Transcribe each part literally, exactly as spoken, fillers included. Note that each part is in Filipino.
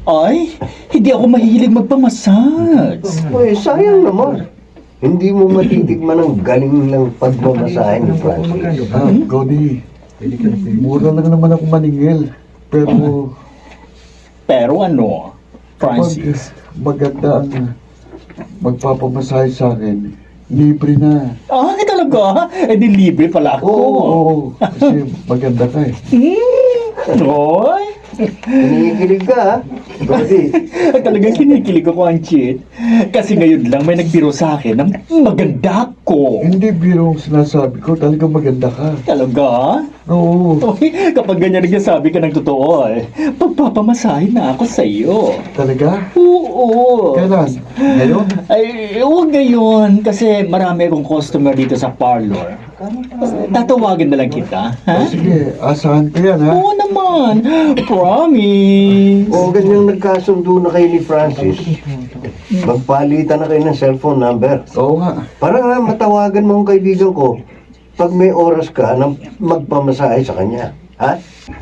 Ay, hindi ako mahilig magpamassage. Uy, sayang naman. Hindi mo matitikman ang galing ng pagmamasahe ni Francis. Ah, Cody, mura lang naman ako maningil. Pero Pero ano, Francis? pag maganda ang magpapamasahe sa akin, libre na. Ah, talaga? Eh di libre pala ako. Oo, oo, kasi maganda ka eh. Hmm, Oy, Kinikilig ka, ha? Brody. talagang kinikilig ako ang cheat. Kasi ngayon lang may nagbiro sa akin ng maganda ko. Hindi biro ang sinasabi ko, talagang maganda ka. Talaga? Oo, Oy, kapag ganyan nagsasabi ka ng totoo eh, pagpapamasahe na ako sa iyo. talaga? Oo. Kailan? Ngayon? Ay, huwag ngayon kasi marami akong customer dito sa parlor. Tatawagin na lang kita, ha? O sige, asahan ko yan ha. Oo naman. Promise. O ganyang nagkasundo na kayo ni Francis, magpalitan na kayo ng cellphone number. Oo nga. Para nga matawagan mo ang kaibigan ko pag may oras ka na magpamasahe sa kanya. Ha?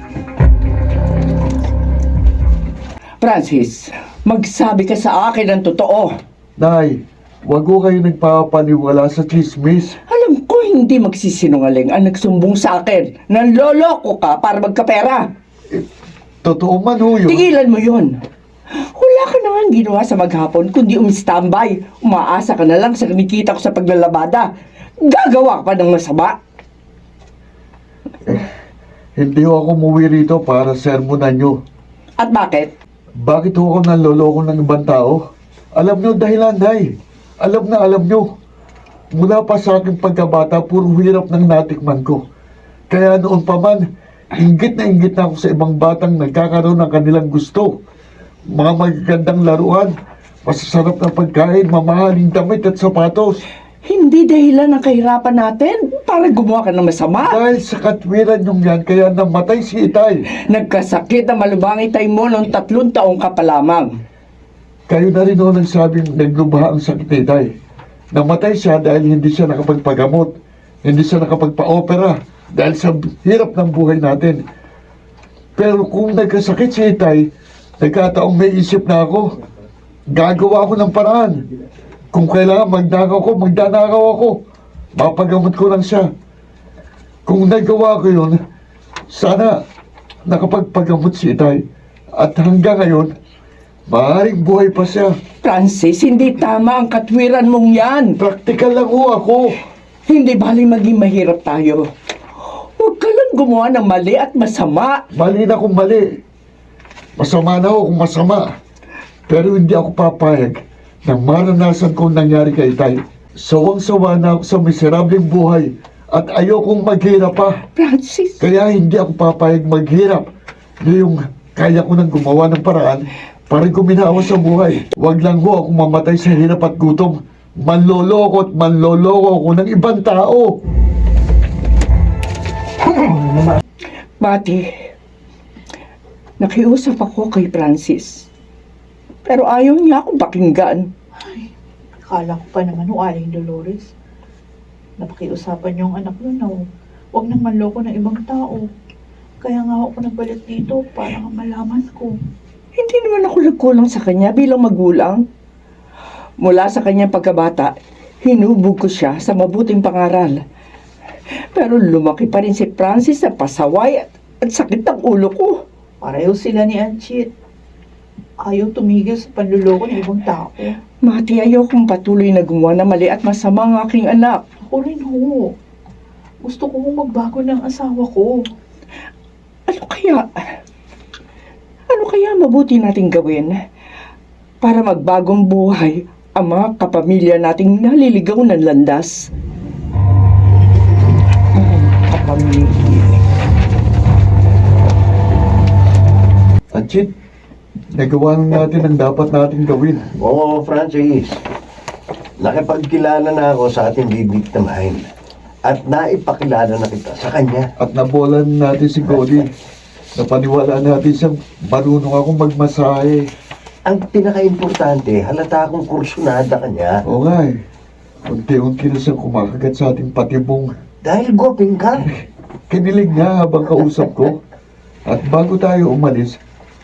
Francis, magsabi ka sa akin ng totoo. Nay, wag ko kayo nagpapaniwala sa chismis. Alam ko hindi magsisinungaling ang nagsumbong sa akin. Nanloloko ka para magkapera. Totoo man ho yun. Tigilan mo yun. Wala ka naman ginawa sa maghapon kundi umistambay. Umaasa ka na lang sa kinikita ko sa paglalabada. Gagawa ka pa ng masama. Hindi ho ako umuwi rito para sermonan nyo. At bakit? Bakit ho ako nanloloko ng ibang tao? Alam nyo dahilan, Nay. Alam na alam nyo. Mula pa sa aking pagkabata, puro hirap ng natikman ko. Kaya noon pa man, inggit na inggit na ako sa ibang batang nagkakaroon ng kanilang gusto. Mga magagandang laruan, masasarap na pagkain, mamahaling damit at sapatos. Hindi dahilan ng kahirapan natin para gumawa ka ng masama. Dahil sa katwiran yung yan, kaya namatay si Itay. Nagkasakit ang malubang itay mo noong tatlong taong ka pa lamang. Kayo na rin noon nagsabing naglubaha ang sakit ni Itay. Namatay siya dahil hindi siya nakapagpagamot. Hindi siya nakapagpa-opera dahil sa hirap ng buhay natin. Pero kung nagkasakit si Itay, nagkataong may isip na ako. Gagawa ako ng paraan. Kung kailangan magnakaw ko, magdanakaw ako. Mapagamot ko lang siya. Kung nagawa ko yun, sana nakapagpagamot si Itay. At hanggang ngayon, maaaring buhay pa siya. Francis, hindi tama ang katwiran mong yan. Praktikal lang ho ako. Hindi bali maging mahirap tayo. Huwag ka lang gumawa ng mali at masama. Mali na kung mali. Masama na ako kung masama. Pero hindi ako papayag na maranasan ko ang nangyari kay Itay. Sawang-sawa na ako sa miserableng buhay at ayokong maghirap pa. Francis, Kaya hindi ako papayag maghirap. Ngayong kaya ko nang gumawa ng paraan para guminawa sa buhay. Huwag lang ho ako mamatay sa hirap at gutom. Manloloko at manloloko ako ng ibang tao. Mati, nakiusap ako kay Francis. Pero ayaw niya akong pakinggan. Akala ko pa naman ho, Aling Dolores. Napakiusapan yung anak nun na huwag nang manloko ng ibang tao. Kaya nga ako nagbalik dito para nga malaman ko. Hindi naman ako nagkulang sa kanya bilang magulang. Mula sa kanyang pagkabata, hinubog ko siya sa mabuting pangaral. Pero lumaki pa rin si Francis sa pasaway at, at sakit ng ulo ko. Pareho sila ni Anchit. Ayaw tumigil sa panluloko ng ibang tao. Mati, ayaw kong patuloy na gumawa na mali at masama ang aking anak. Ako rin ho. Gusto ko hong magbago ng asawa ko. Ano kaya? Ano kaya mabuti nating gawin para magbagong buhay ang mga kapamilya nating naliligaw ng landas? Hmm, kapamilya. Anchit, nagawa na natin ang dapat natin gawin. Oo, Francis. Nakipagkilala na ako sa ating bibiktimahin. At naipakilala na kita sa kanya. At nabolan natin si Cody. Napaniwala natin siyang marunong akong magmasahe. Ang pinaka-importante, halata akong kursunada kanya. Oo nga eh. Unti-unti na siyang kumakagat sa ating patibong. Dahil gwaping ka. Kinilig nga habang kausap ko. At bago tayo umalis,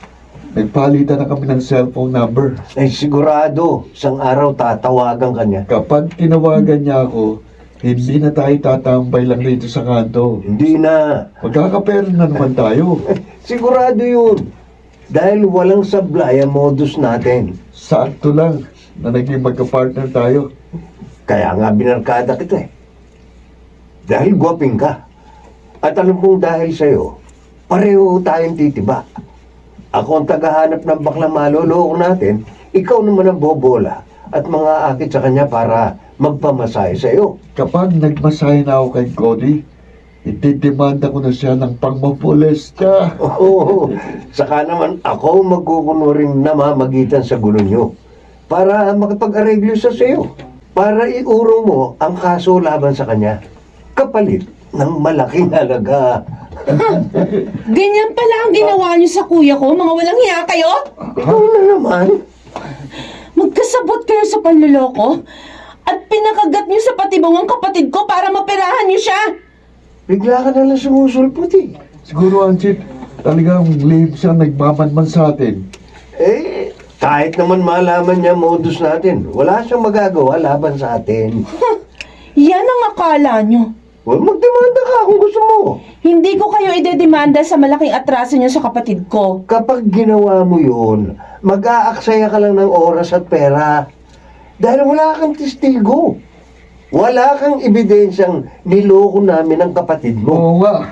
Nagpalitan na kami ng cellphone number. Ay sigurado, isang araw tatawagan ka niya. Kapag tinawagan niya ako, hindi na tayo tatambay lang dito sa kanto. Hindi na. Magkakapera na naman tayo. Sigurado yun. Dahil walang sablay ang modus natin. Sakto lang na naging magka-partner tayo. Kaya nga binarkada kita eh. Dahil gwaping ka. At alam kong dahil sa'yo, pareho tayong titiba. Ako ang tagahanap ng baklang maloloko natin, ikaw naman ang bobola at mga akit sa kanya para magpamasahe sa'yo. Kapag nagmasahe na ako kay Cody, itidemanda ko na siya ng pangmapolesta. Oo, saka naman ako magkukunuring namamagitan sa gulo nyo para makapag-areglo sa sa'yo. Para iurong mo ang kaso laban sa kanya. Kapalit ng malaking halaga. Ganyan pala ang ginawa niyo sa kuya ko, mga walang hiya kayo? Ikaw na naman. Magkasabot kayo sa panluloko at pinakagat niyo sa patibong ang kapatid ko para maperahan niyo siya. Bigla ka na lang sumusulpot eh. Siguro, Anchit, talagang lame siya nagmamanman sa atin. Eh, kahit naman malaman niya modus natin, wala siyang magagawa laban sa atin. Yan ang akala niyo. Well, magdemanda ka kung gusto mo. Hindi ko kayo idedemanda sa malaking atraso niyo sa kapatid ko. Kapag ginawa mo yun, mag-aaksaya ka lang ng oras at pera. Dahil wala kang testigo. Wala kang ebidensyang niloko namin ang kapatid mo. Oo nga.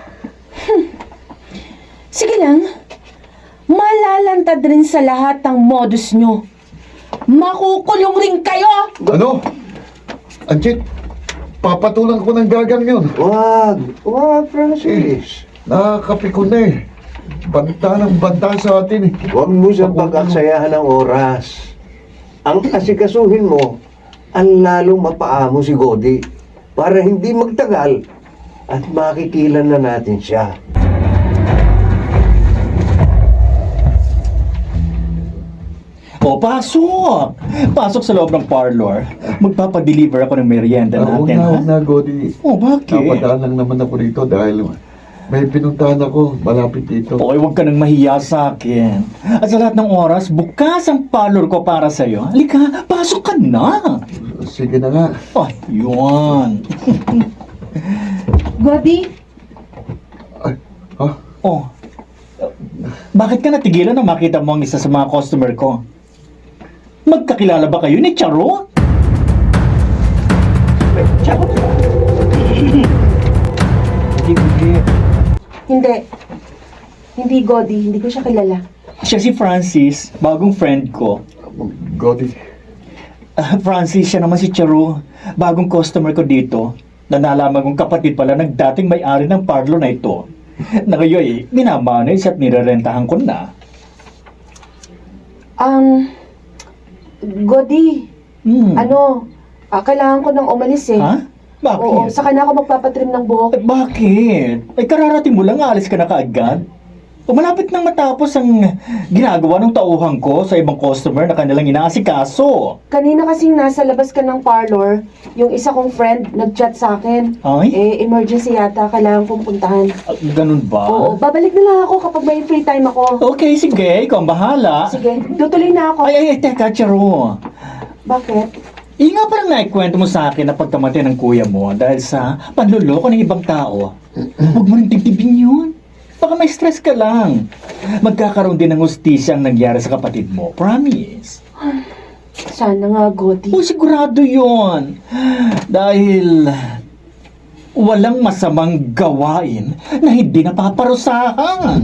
Sige lang, malalantad rin sa lahat ng modus niyo. Makukulong rin kayo! Ano? Anchit, papatulang ko ng gagang yun. Wag, wag, Francis. Nakakapi ko na eh. Banta ng banta sa atin eh. Huwag mo siyang pag-aksayahan ng oras. Ang asikasuhin mo, ang lalong mapaamo si Godi para hindi magtagal at makikilan na natin siya. O, pasok! Pasok sa loob ng parlor. Magpapadeliver ako ng merienda Ah, Huwag natin, na, ha? huwag na, Godi. Oh, bakit? Napadaan lang naman ako dito dahil may pinuntahan ako malapit dito. Okay, huwag ka nang mahiya sa akin. At sa lahat ng oras, bukas ang parlor ko para sa'yo. Halika, pasok ka na! Sige na nga. Oh, yun. Godi, Ay, ha? Oh, bakit ka natigilan na makita mo ang isa sa mga customer ko? Magkakilala ba kayo ni Charo? Charo? Hindi, hindi. hindi. Hindi, Godi. Hindi ko siya kilala. Siya si Francis, bagong friend ko. Godi. Ah, Francis, siya naman si Charo, bagong customer ko dito. Na nalaman kong kapatid pala ng dating may-ari ng parlor na ito. Na ngayon eh, minamanis at nirerentahan ko na. Um, Godi, Hmm. ano, ah, kailangan ko nang umalis eh. Ha? Bakit? Oo, saka na ako magpapatrim ng buhok. Eh, bakit? Ay, kararating mo lang, alis ka na kaagad. O malapit nang matapos ang ginagawa ng tauhan ko sa ibang customer na kanilang inaasikaso. Kanina kasing nasa labas ka ng parlor, yung isa kong friend nag-chat sa akin. Ay? Eh, emergency yata, kailangan kong puntahan. Ah, ganun ba? Oo, babalik na lang ako kapag may free time ako. Okay, sige. Ikaw ang bahala. Sige, tutuloy na ako. Ay, ay, ay, teka, Charo. Bakit? Iyi nga parang naikwento mo sa akin na pagkamatay ng kuya mo dahil sa panluloko ng ibang tao. Huwag mo rin tibtibin yun. Baka may stress ka lang. Magkakaroon din ng hustisya ang nangyari sa kapatid mo. Promise. Sana nga, Godi. O sigurado yon. Dahil walang masamang gawain na hindi napaparusahan.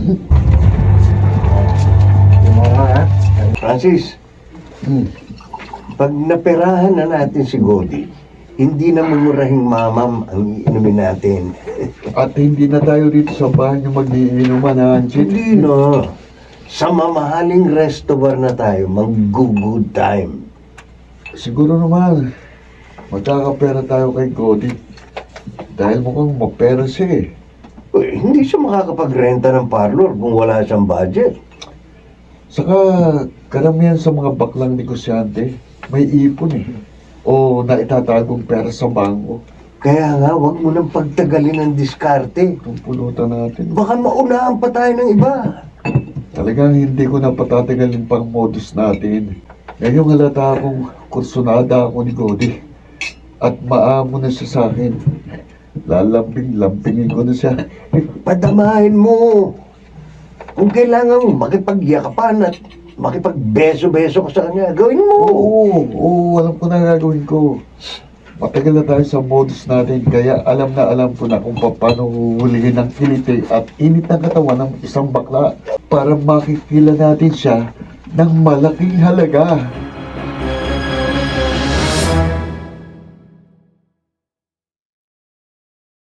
Francis, Hmm. pag naperahan na natin si Godi, hindi na mumurahing mamam ang iinumin natin. At hindi na tayo dito sa bahay yung mag-iinuman, ha, Anchit? Hindi na. Sa mamahaling resto bar na tayo, mag-good time. Siguro naman, magkakapera tayo kay Cody. Dahil mukhang mapera siya eh. Uy, hindi siya makakapagrenta ng parlor kung wala siyang budget. Saka, karamihan sa mga baklang negosyante, may ipon eh. O naitatagong pera sa bangko. Kaya nga, wag mo nang pagtagalin ang diskarte. Itong pulutan natin. Baka maunahan pa tayo ng iba. Talagang hindi ko na patatagalin pang modus natin. Ngayong halata akong kursunada ako ni Godi. At maamo na siya sa akin. Lalambing-lambingin ko na siya. Padamahin mo. Kung kailangan mo makipagyakapan at makipagbeso-beso ka sa kanya, gawin mo. Oo, oo, alam ko na gagawin ko. Matagal na tayo sa modus natin, kaya alam na alam ko na kung paano huhulihin ng kiliti at init ng katawan ng isang bakla para makikila natin siya ng malaking halaga.